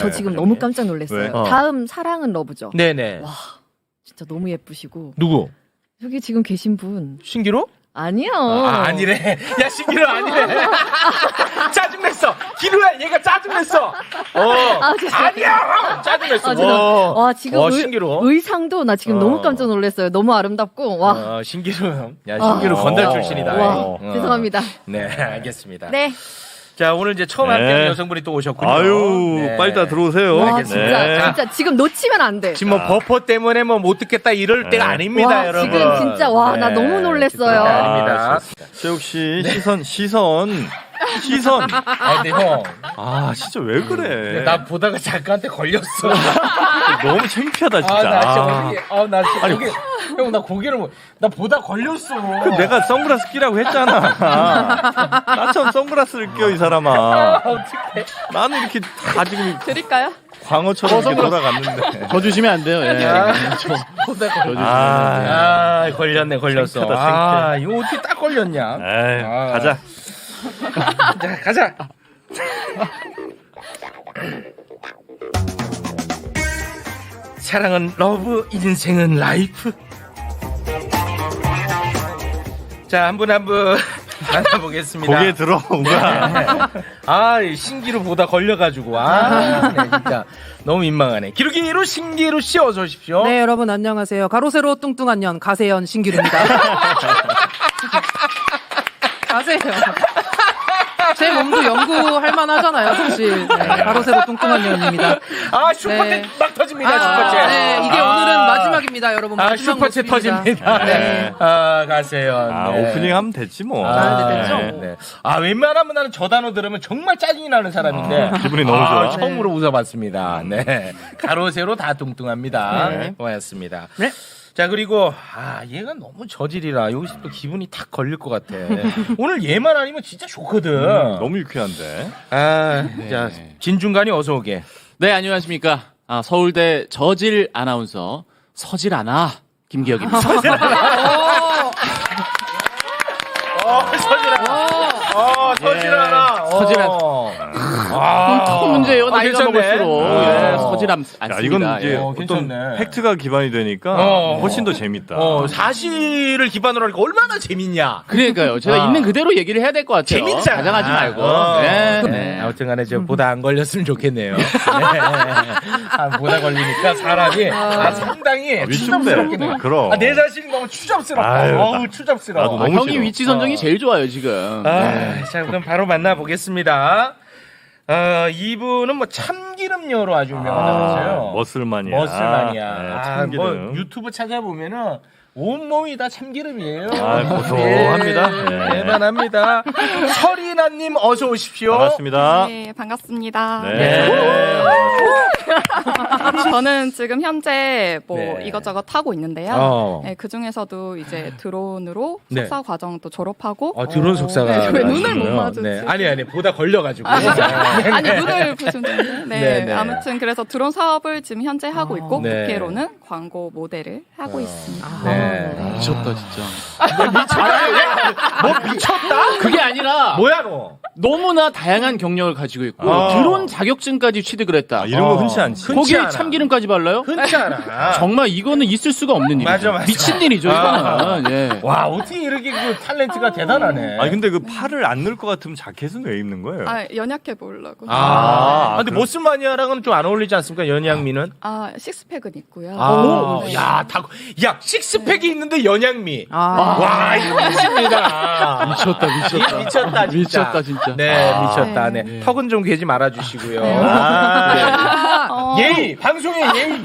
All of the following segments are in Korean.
저 지금 너무 깜짝 놀랐어요. 왜? 다음 사랑은 러브죠. 네네. 와, 진짜 너무 예쁘시고. 누구? 여기 지금 계신 분. 신기루? 아니요. 아니래. 야, 신기루 아니래. 짜증냈어. 기루야, 얘가 짜증냈어. 아니야! 짜증냈어. 와, 지금 신기루. 의상도 나 지금 너무 깜짝 놀랐어요. 너무 아름답고. 와. 신기루. 야, 신기루 건달 출신이다. 와, 죄송합니다. 네, 알겠습니다. 네. 자, 오늘 이제 처음 함께하는 여성분이 또 오셨군요. 아유, 네. 빨리 다 들어오세요. 와, 진짜, 네. 진짜 지금 놓치면 안 돼. 지금 뭐 버퍼 때문에 뭐 못 듣겠다 이럴 때가 아닙니다, 와, 여러분. 지금 진짜 와, 나 너무 놀랐어요. 아닙니다. 최욱 씨, 시선. 근데 형. 진짜 왜 그래? 나 보다가 작가한테 걸렸어. 너무 창피하다, 진짜. 나 진짜 형, 나 고개를 나 보다 걸렸어. 내가 선글라스 끼라고 했잖아. 나처럼 선글라스를 껴, 이 사람아. 어떡해. 나는 이렇게 다 지금 드릴까요? 광어처럼 이렇게 돌아갔는데. 더 주시면 안 돼요. 예. 보다 걸렸어. 창피하다, 이거 어떻게 딱 걸렸냐? 에이, 가자. 자, 가자. 사랑은 러브, 인생은 라이프. 자, 한 분 한 분 만나보겠습니다. 고개 들어, 우가. 이 신기루 보다 걸려가지고. 네, 진짜 너무 민망하네. 기루기루 신기루 씨 어서 오십시오. 네, 여러분 안녕하세요. 가로세로 뚱뚱한 년 가세연 신기루입니다. 가세요. 제 몸도 연구할 만하잖아요, 사실. 네, 가로세로 뚱뚱한 년입니다. 슈퍼챗 네. 막 터집니다, 슈퍼챗. 네, 이게 오늘은 마지막입니다, 여러분. 마지막 슈퍼챗 모습입니다. 터집니다. 네. 가세요. 네. 오프닝 하면 됐지, 뭐. 네, 됐죠. 네. 웬만하면 나는 저 단어 들으면 정말 짜증이 나는 사람인데. 기분이 너무 좋아. 처음으로 웃어봤습니다. 네. 가로, 세로 다 뚱뚱합니다. 네. 고맙습니다. 네. 자, 그리고, 얘가 너무 저질이라 여기서 또 기분이 탁 걸릴 것 같아. 오늘 얘만 아니면 진짜 좋거든. 너무 유쾌한데. 자, 진중간이 어서 오게. 네, 안녕하십니까. 서울대 저질 아나운서 서질 아나 김기혁입니다. 서질하나. 서질하나. 큰 문제예요. 나이가 괜찮네. 먹을수록. 예, 서질함 야, 않습니다. 이건 이제 예. 어떤 괜찮네. 팩트가 기반이 되니까 훨씬 더 재밌다. 사실을 기반으로 하니까 얼마나 재밌냐. 그러니까요. 제가 있는 그대로 얘기를 해야 될 것 같아요. 재밌잖아. 가장하지 말고. 네. 아무튼 간에 보다 안 걸렸으면 좋겠네요. 네. 보다 걸리니까 사람이 상당히 추잡스럽게 돼요. 그럼. 내 자신이 너무 추잡스럽다. 아유, 추잡스러워. 나도 너무 형이 싫어. 위치 선정이 제일 좋아요, 지금. 자, 그럼 바로 만나보겠습니다. 이분은 뭐 참기름녀로 아주 유명하다면서요. 머슬만이야. 머슬만이야. 네, 뭐 참기름. 유튜브 찾아보면은 온몸이 다 참기름이에요. 고소합니다. 네, 대단합니다. 설이나님 어서 오십시오. 반갑습니다. 네, 반갑습니다. 네. 저는 지금 현재 네. 이것저것 하고 있는데요. 네, 그 중에서도 이제 드론으로 네. 석사 과정도 졸업하고. 드론 속사가. 네, 왜 눈을 못 마주치? 네. 아니, 보다 걸려가지고. 아니, 눈을 부수는데. 네, 네. 아무튼 그래서 드론 사업을 지금 현재 하고 있고, 네. 국회로는 광고 모델을 하고 있습니다. 네. 미쳤다, 진짜. 뭐 미쳤다? 그게 아니라 뭐야, 너? 너무나 다양한 경력을 가지고 있고 드론 자격증까지 취득을 했다. 이런 거 흔치 않지. 거기에 않아. 참기름까지 발라요? 흔치 않아. 정말 이거는 있을 수가 없는 일이죠. 맞아. 미친 일이죠, 이거는. 예. 와, 어떻게 이렇게 그 탤런트가 대단하네. 아니 근데 그 팔을 안 넣을 것 같으면 자켓은 왜 입는 거예요? 연약해 보이려고. 근데 모스마니아랑은 좀 안 어울리지 않습니까? 연양미는? 식스팩은 있고요. 야, 식스팩이 있는데 연양미. 아. 와, 이거 미칩니다. 미쳤다. 미쳤다, 진짜. 미쳤다, 진짜. 네, 미쳤다. 네. 턱은 좀 괴지 말아주시고요. 예의! 방송의 예의!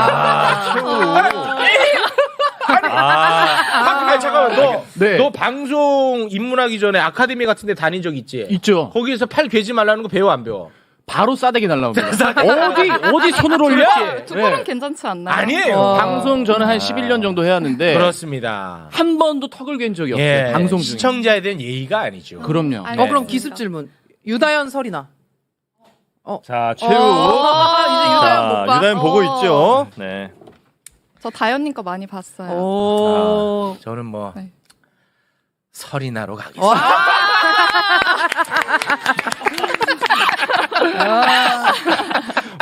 잠깐만, 너 방송 입문하기 전에 아카데미 같은 데 다닌 적 있지? 있죠. 거기에서 팔 괴지 말라는 거 배워, 안 배워? 바로 싸대기 날라옵니다. 어디 손을 올려? 그렇지. 두 분은 괜찮지 않나요? 아니에요. 방송 저는 한 11년 정도 해왔는데 그렇습니다. 한 번도 턱을 갠 적이 없어요. 예, 방송 중에. 시청자에 대한 예의가 아니죠. 그럼요. 알겠습니다. 그럼 기습 질문. 유다현 설이나. 자, 최욱. 이제 유다현 못 봐. 유다현 보고 있죠. 네. 저 다현님 거 많이 봤어요. 저는 뭐 네. 설이나로 가겠습니다.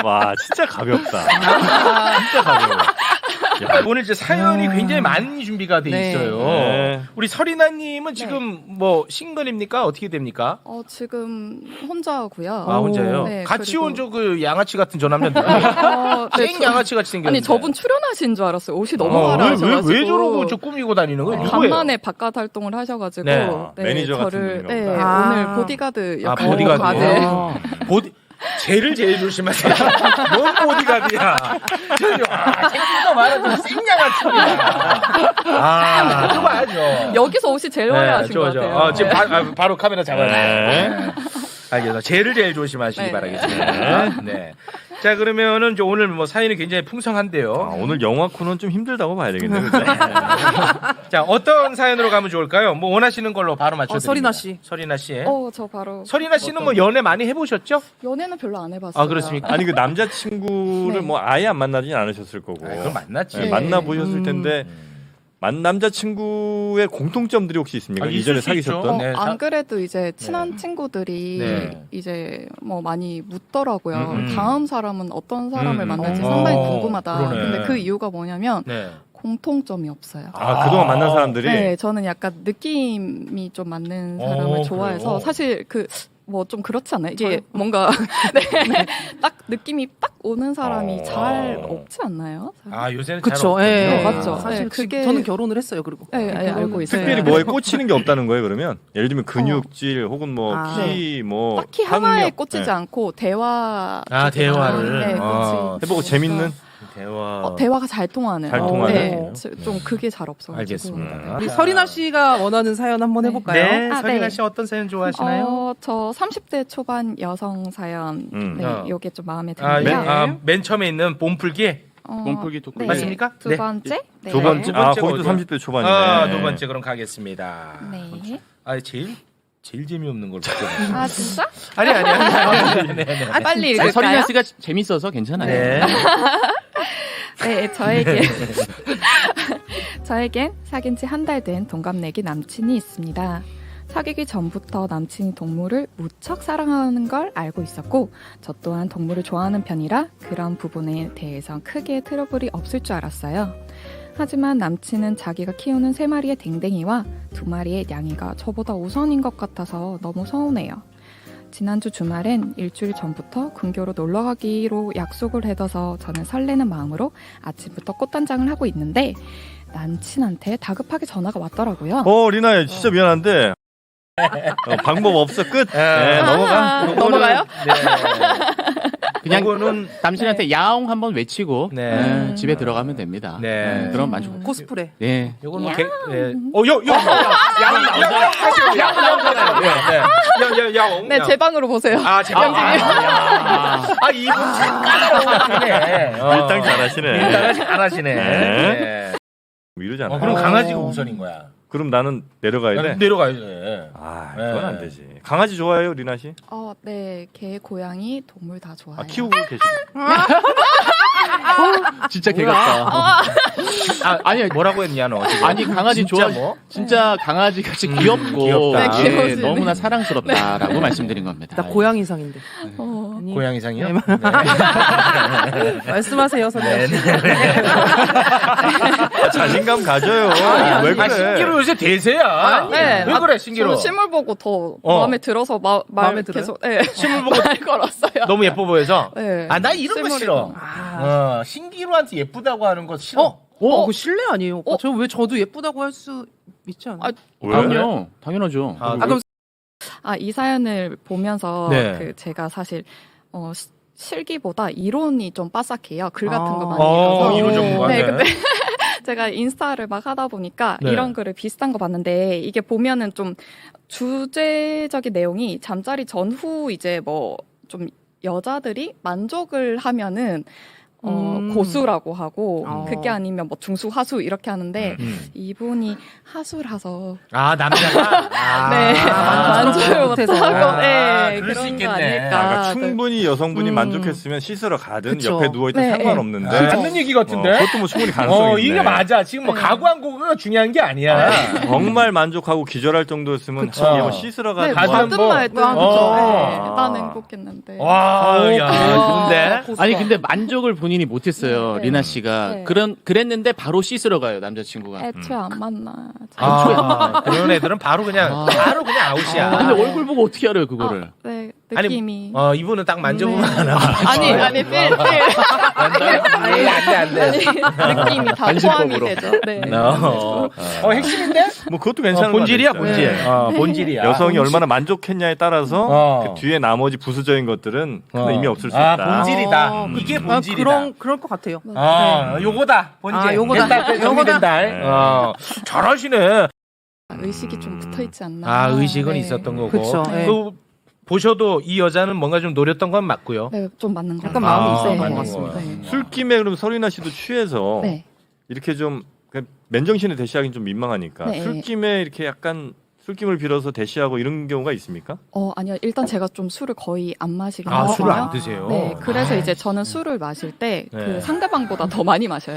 와, 진짜 가볍다. 진짜 가벼워. 야, 오늘 이제 사연이 굉장히 많이 준비가 돼 네. 있어요. 네. 우리 설이나님은 지금 뭐 싱글입니까? 어떻게 됩니까? 지금 혼자고요. 아 혼자요? 네, 같이 그리고- 온 저 그 양아치 같은 저 남자 누구예요? 네, 생 양아치 같이 생겼는데. 아니 저분 출연하신 줄 알았어요. 옷이 너무 왜, 화려하셔가지고. 왜 저러고 저 꾸미고 다니는 거예요? 누구예요? 간만에 바깥 활동을 하셔가지고 네. 매니저 같은 저를 분인가 네, 보다. 오늘 보디가드 아 역할로 보디가드. 네. 쟤를 제일 조심하세요. 뭔 보디가드야. 생긴거 말아도 생양아치야. 그거 봐야죠. 여기서 옷이 제일 화려하신 것 같아요. 지금 바로 카메라 잡아요. 네. 알겠습니다. 쟤를 제일 조심하시기 네. 바라겠습니다. 네. 자, 그러면은 저 오늘 뭐 사연이 굉장히 풍성한데요. 오늘 영화 코는 좀 힘들다고 봐야 되겠네요. 그죠? 자, 어떤 사연으로 가면 좋을까요? 뭐 원하시는 걸로 바로 맞춰드립니다. 서리나 씨. 서리나 씨. 저 바로 서리나 씨는 뭐 연애 많이 해보셨죠? 연애는 별로 안 해봤어요. 아, 그렇습니까? 아니 그 남자친구를 네. 뭐 아예 안 만나진 않으셨을 거고. 그럼 만났지. 네, 네. 만나보셨을 텐데 남자친구의 공통점들이 혹시 있습니까? 있을 이전에 수 있죠. 사귀셨던? 네. 안 그래도 이제 친한 친구들이 네. 이제 뭐 많이 묻더라고요. 음. 다음 사람은 어떤 사람을 만날지 어. 상당히 궁금하다. 그러네. 근데 그 이유가 뭐냐면 네. 공통점이 없어요. 아, 그동안 만난 사람들이 네, 저는 약간 느낌이 좀 맞는 사람을 좋아해서 그래요? 사실 뭐 좀 그렇지 않나요? 이게 뭔가 딱 느낌이 딱 오는 사람이 잘 없지 않나요? 요새는 그쵸. 잘 예. 없군요. 맞죠. 사실 네, 그게- 저는 결혼을 했어요. 그리고 네, 알고 있어요. 특별히 뭐에 꽂히는 게 없다는 거예요. 그러면 예를 들면 근육질 혹은 뭐 아. 키, 뭐 딱히 하나에 학력, 꽂히지 네. 않고 대화 대화를. 네, 해보고 재밌는 대화. 대화가 잘 통하는 잘 통하는. 네, 좀 그게 잘 없어가지고 알겠습니다. 우리 서리나 씨가 원하는 사연 한번 해볼까요? 네, 아, 서리나 네. 씨 어떤 사연 좋아하시나요? 저 30대 초반 여성 사연 네, 어. 요게 좀 마음에 아, 드는데요. 맨 처음에 있는 몸풀기. 몸풀기 토크. 네, 맞습니까? 두 네. 번째? 네. 두 번째. 두 아, 번째가 거기도 어디야? 30대 초반이네. 두 번째 그럼 가겠습니다. 네. 제일 재미없는 걸 바꿔. 아 진짜? 아니. 네. 빨리 아니, 읽을까요? 서리나 씨가 재밌어서 괜찮아요. 네. 네, 저에겐 사귄 지 한 달 된 동갑내기 남친이 있습니다. 사귀기 전부터 남친이 동물을 무척 사랑하는 걸 알고 있었고 저 또한 동물을 좋아하는 편이라 그런 부분에 대해서 크게 트러블이 없을 줄 알았어요. 하지만 남친은 자기가 키우는 3마리의 댕댕이와 2마리의 냥이가 저보다 우선인 것 같아서 너무 서운해요. 지난주 주말엔 일주일 전부터 근교로 놀러 가기로 약속을 해둬서 저는 설레는 마음으로 아침부터 꽃단장을 하고 있는데 남친한테 다급하게 전화가 왔더라고요. 리나야 진짜 미안한데 방법 없어 끝. 네, 넘어가. 넘어가요? 그냥 이거는 남친한테 야옹 한번 외치고 네. 집에 들어가면 됩니다. 네. 그럼 만족. 코스프레. 네. 요건 뭐 양 나오잖아요. 네, 제 방으로 보세요. 제 방송이요? 이분 착하네. 밀당 잘하시네. 잘하시네. 네. 뭐 이러지 않아. 그럼 강아지가 우선인 거야. 그럼 나는 내려가야 돼. 내려가야 돼. 그건 안 되지. 강아지 좋아해요, 리나 씨? 네, 개, 고양이, 동물 다 좋아해요. 키우고 계시고. 진짜 개 같다. 아니 뭐라고 했냐 너? 지금? 아니 강아지 진짜 좋아. 뭐? 진짜 강아지 같이 귀엽고 귀엽다. 네, 귀여우시네. 너무나 사랑스럽다라고 말씀드린 겁니다. 나 고양이상인데. 아니, 고양이상이요? 네. 말씀하세요, 선생님. 자신감 가져요. 왜 그래? 신기루 요새 대세야. 네. 왜 그래 신기루? 저는 실물 보고 더 어. 마음에 들어서 마음에 들어요? 계속 네. 실물 보고 말 걸었어요. 너무 예뻐 보여서. 네. 나 이런 거 실물이 싫어. 너무- 신기루한테 예쁘다고 하는 거 싫어. 그거 실례 아니에요? 오빠? 저 왜 저도 예쁘다고 할 수 있지 않아요? 왜? 그럼요. 당연하죠. 그럼 이 사연을 보면서 네. 제가 사실 실기보다 이론이 좀 빠삭해요. 글 같은 거 많이 어, 읽어서. 이론 전문가. 네, 네. 근데 제가 인스타를 막 하다 보니까 네. 이런 글을 비슷한 거 봤는데 이게 보면은 좀 주제적인 내용이 잠자리 전후 이제 뭐 좀 여자들이 만족을 하면은 고수라고 하고 어. 그게 아니면 뭐 중수, 하수 이렇게 하는데 이분이 하수라서 아 남자가. 네 만족을 못해서. 못하고 네 그럴 수 그런 거 있겠네. 아닐까. 그러니까 충분히 여성분이 음. 만족했으면 씻으러 가든 그쵸. 옆에 누워있든 네, 상관없는데 맞는 얘기 같은데. 그것도 뭐 충분히 가능성이 있네. 이게 맞아. 지금 뭐 네. 가구한 거가 중요한 게 아니야. 정말 만족하고 기절할 정도였으면 그쵸. 얘뭐 씻으러 네, 가든 가든 뭐든 뭐- 말든 어. 난 행복했는데. 와, 야, 좋은데. 아니 근데 만족을 본인이 못했어요. 네. 리나 씨가 네. 그랬는데 바로 씻으러 가요 남자친구가. 애초에 안 만나. 그런 애들은 바로 그냥 아웃이야. 근데 얼굴 보고 어떻게 알아요 그거를? 네 아니, 느낌이. 이분은 딱 만져보면 네. 알아. 아니 필 안 돼. 느낌이 다 포함이 되죠. 네. 핵심인데? 뭐 그것도 괜찮은 본질이야, 거 같아요. 본질. 네. 본질이야. 여성이 얼마나 만족했냐에 따라서 어. 그 뒤에 나머지 부수적인 것들은 큰 의미 없을 수 아, 있다. 본질이다. 어, 이게 아, 본질이다. 그럴 것 같아요. 요거다. 본질. 아, 요거다. 됐다. 정리된다. 네. 잘하시네. 의식이 좀 붙어 있지 않나. 아, 의식은 네. 있었던 거고. 그쵸. 네. 그 보셔도 이 여자는 뭔가 좀 노렸던 건 맞고요. 네, 좀 맞는 거 약간 같아요. 마음이 있었던 네. 것 같습니다. 네. 술김에 그럼 서리나 씨도 취해서 네. 이렇게 좀 그냥 맨정신에 대시하기는 좀 민망하니까 네. 술김에 이렇게 약간 술김을 빌어서 대시하고 이런 경우가 있습니까? 아니요. 일단 제가 좀 술을 거의 안 마시긴 아, 하거든요. 술을 안 드세요? 네, 그래서 이제 저는 술을 마실 때 그 네. 상대방보다 더 많이 마셔요.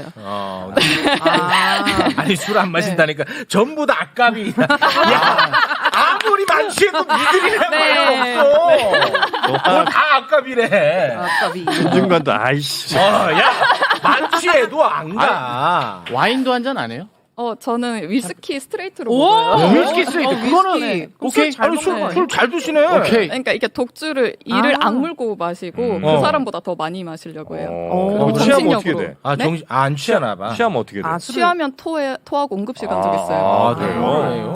아니 술 안 마신다니까 전부 다 악갑이. 야, 아무리 만취해도 니들이란 네. 말 없어. 다 악갑이래. 아깝이. 중간도 아이씨. 야 만취해도 안 가. 와인도 한 잔 안 해요? 저는 위스키 스트레이트로 오! 먹어요. 위스키 스트레이트 그거는 네. 오케이. 잘 아니, 먹네. 술 잘 드시네. 오케이. 그러니까 이게 독주를 이를 아. 악물고 마시고 그 어. 사람보다 더 많이 마시려고 해요. 어, 취하면 어떻게 정신력으로. 돼? 아 네? 정신 안 취하나 봐. 취하면 어떻게 돼? 아, 술을- 취하면 토하고 응급실 간 적 있어요. 아, 그래요?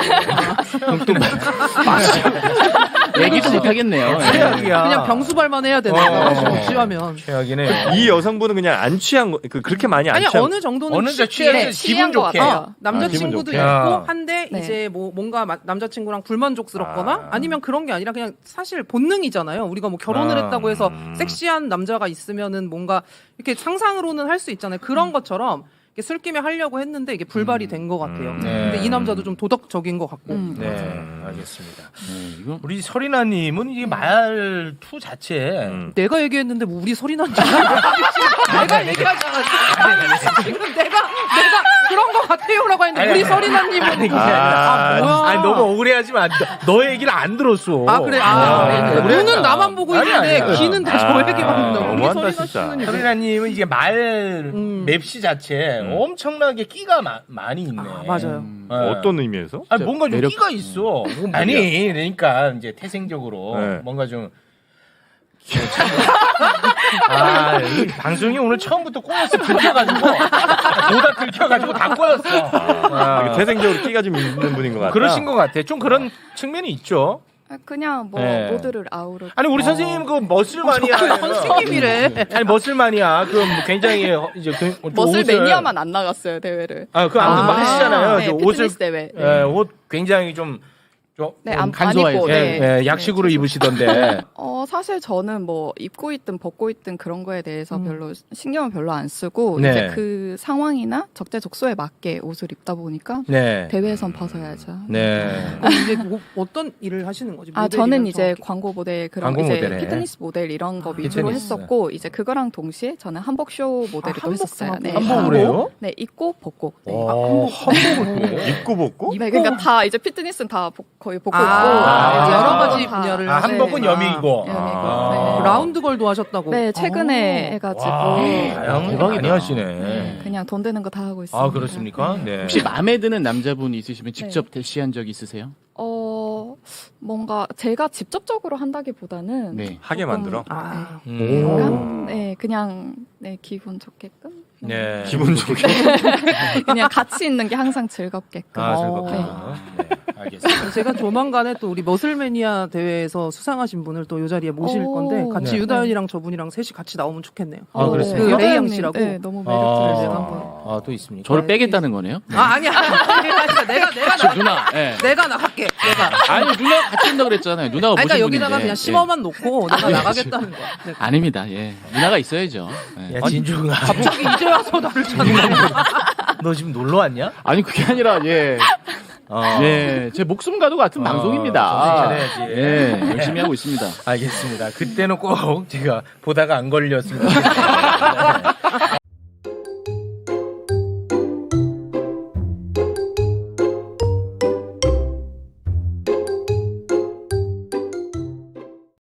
얘기도 못 하겠네요. 최악이야. 그냥 병수발만 해야 되는 거야. 취하면. 최악이네. 이 여성분은 그냥 안 취한 거, 그렇게 많이 안 아니 취한 어느 정도는 어느 정도 취해. 취해서 네, 기분 취한 것 좋게. 같아요. 남자친구도 기분 좋게. 있고 한데 네. 이제 뭐 뭔가 남자친구랑 불만족스럽거나 아니면 그런 게 아니라 그냥 사실 본능이잖아요. 우리가 뭐 결혼을 했다고 해서 섹시한 남자가 있으면은 뭔가 이렇게 상상으로는 할 수 있잖아요. 그런 것처럼 이렇게 술김에 하려고 했는데 이게 불발이 된 것 같아요. 네. 근데 이 남자도 좀 도덕적인 것 같고. 네, 알겠습니다. 이거 우리 서리나님은 이 말투 자체 내가 얘기했는데 뭐 우리 소리 난지 내가 얘기하잖아. 지금 내가 그런 것 같아요라고 했는데 우리 소리나님은 뭐야? 아니 너무 억울해하지 마. 너 얘기를 안 들었어. 아 그래 눈은 나만 보고 있는데 아니야. 귀는 다 저 얘기만 듣는다. 우리 너무한다, 소리나 진짜. 씨는 이제 서리나님은 이게 말 맵시 자체 엄청나게 끼가 많이 있네. 맞아요. 네. 어떤 의미에서? 아니 뭔가 좀 매력- 끼가 있어. 아니 그러니까 이제 태생적으로 네. 뭔가 좀. 이 방송이 오늘 처음부터 꼬였어. 들켜가지고 보다 들켜가지고 다 꼬였어. 이게 태생적으로 끼가 좀 있는 분인 것 같다. 그러신 것 같아. 좀 그런 측면이 있죠. 그냥 뭐 네. 모두를 아우르고. 아니 우리 선생님 그 머슬마니아. 선생님이래. 아니 머슬마니아 그 굉장히 이제 머슬 매니아만 안 나갔어요 대회를. 아그 아무튼 막 하시잖아요. 네, 저 피트니스 대회. 네. 옷 굉장히 좀 네, 안 간소화해서. 입고. 네. 약식으로 입으시던데. 사실 저는 뭐 입고 있든 벗고 있든 그런 거에 대해서 별로 신경을 별로 안 쓰고 네. 이제 그 상황이나 적재적소에 맞게 옷을 입다 보니까 네. 대회에선 벗어야죠. 네. 그럼 이제 뭐 어떤 일을 하시는 거지? 저는 모델이면 이제 정확히. 광고 모델 그런 광고 이제 모델에. 피트니스 모델 이런 거 위주로 피트니스. 했었고 이제 그거랑 동시에 저는 한복쇼 모델을 또 했었어요. 네. 한복을 해요? 네, 입고 벗고. 네. 한복을 해. 입고 벗고? 네, 그러니까 다 이제 피트니스는 다 거의 벗고 아, 있고 여러 가지 다- 분야를 아, 한복은 네. 여미고. 여미고. 아. 네. 라운드걸도 하셨다고. 네, 최근에 아. 해가지고 다양하게 많이 하시네. 네, 그냥 돈 되는 거 다 하고 있습니다. 아 그렇습니까? 네. 혹시 마음에 드는 남자분 있으시면 직접 대시한 적 있으세요? 뭔가 제가 직접적으로 한다기보다는 네. 하게 조금, 만들어? 아. 약간 그냥 기분 좋게끔 네. 기분 좋게. 그냥 같이 있는 게 항상 즐겁게끔. 아 즐겁다. 네. 알겠습니다. 제가 조만간에 또 우리 머슬매니아 대회에서 수상하신 분을 또 이 자리에 모실 오. 건데 같이 네. 유다현이랑 저분이랑 셋이 같이 나오면 좋겠네요. 아, 그렇습니까? 그 레이양 유다현님, 씨라고. 네, 너무 매력적이어서 제가 한번. 또 있습니까? 저를 빼겠다는 거네요? 아 아니야. 내가 저 누나. 예. 내가 나가. 나갈게. 내가. 아니 누나 같이 한다 그랬잖아요. 누나가 그러니까 모신 여기다가 분인데. 그냥 심어만 놓고 내가 예. 나가겠다는 거. 네. 아닙니다. 예. 누나가 있어야죠. 예. 야 진주가 갑자기 이제 와서 나를 찾는 너 지금 놀러 왔냐? 아니 그게 아니라 예. 예, 제 목숨과도 같은 방송입니다. 정신 차려야지. 예, 열심히 하고 있습니다. 알겠습니다. 그때는 꼭 제가 보다가 안 걸렸으면 좋겠습니다.